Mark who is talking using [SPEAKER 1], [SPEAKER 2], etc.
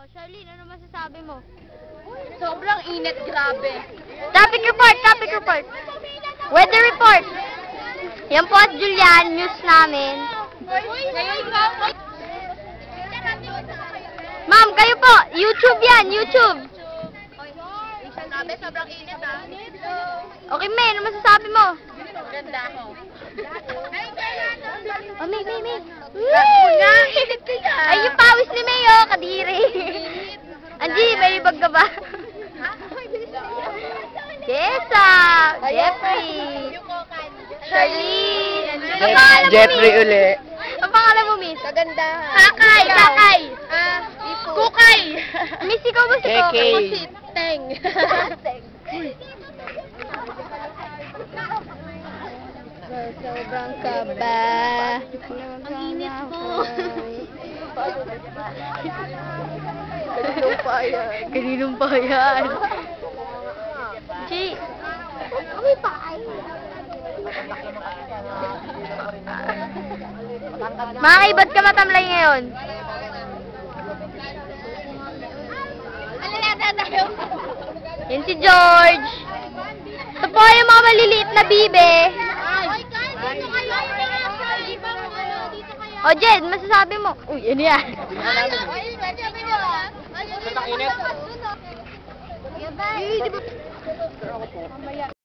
[SPEAKER 1] Oh, Charlene, ano masasabi mo?
[SPEAKER 2] Sobrang init, grabe.
[SPEAKER 1] Topic report, topic report. Weather report. Yan po at Julian, news namin. Ma'am, kayo po, YouTube yan, YouTube.
[SPEAKER 2] Grabe, sobrang init ah.
[SPEAKER 1] Okay, May, ano masasabi mo?
[SPEAKER 2] Ganda ako.
[SPEAKER 1] Oh, May.
[SPEAKER 2] Init ka.
[SPEAKER 1] Ay, yung pawis ni May, oh, kadiri. Angie, may libag ka ba? Jessa, Jeffrey, Charlene. Ang pangalan mo,
[SPEAKER 3] Jeffrey
[SPEAKER 1] Miss?
[SPEAKER 3] uli.
[SPEAKER 1] Ang pangalan mo, Miss?
[SPEAKER 2] Kagandahan.
[SPEAKER 1] Kakay.
[SPEAKER 2] Kukay.
[SPEAKER 1] Miss, ikaw ba si
[SPEAKER 3] KK.
[SPEAKER 1] Kokay?
[SPEAKER 2] Ako si Teng.
[SPEAKER 1] Sobrang kaba.
[SPEAKER 2] Ang init po.
[SPEAKER 1] Kaninong pa yan? Chi. May paay. Makakaibat ka matamlay ngayon. Yan si George. Ito po yung mga maliliit na bibe. O, Jed, masasabi mo. Uy, ano yan?
[SPEAKER 3] Init.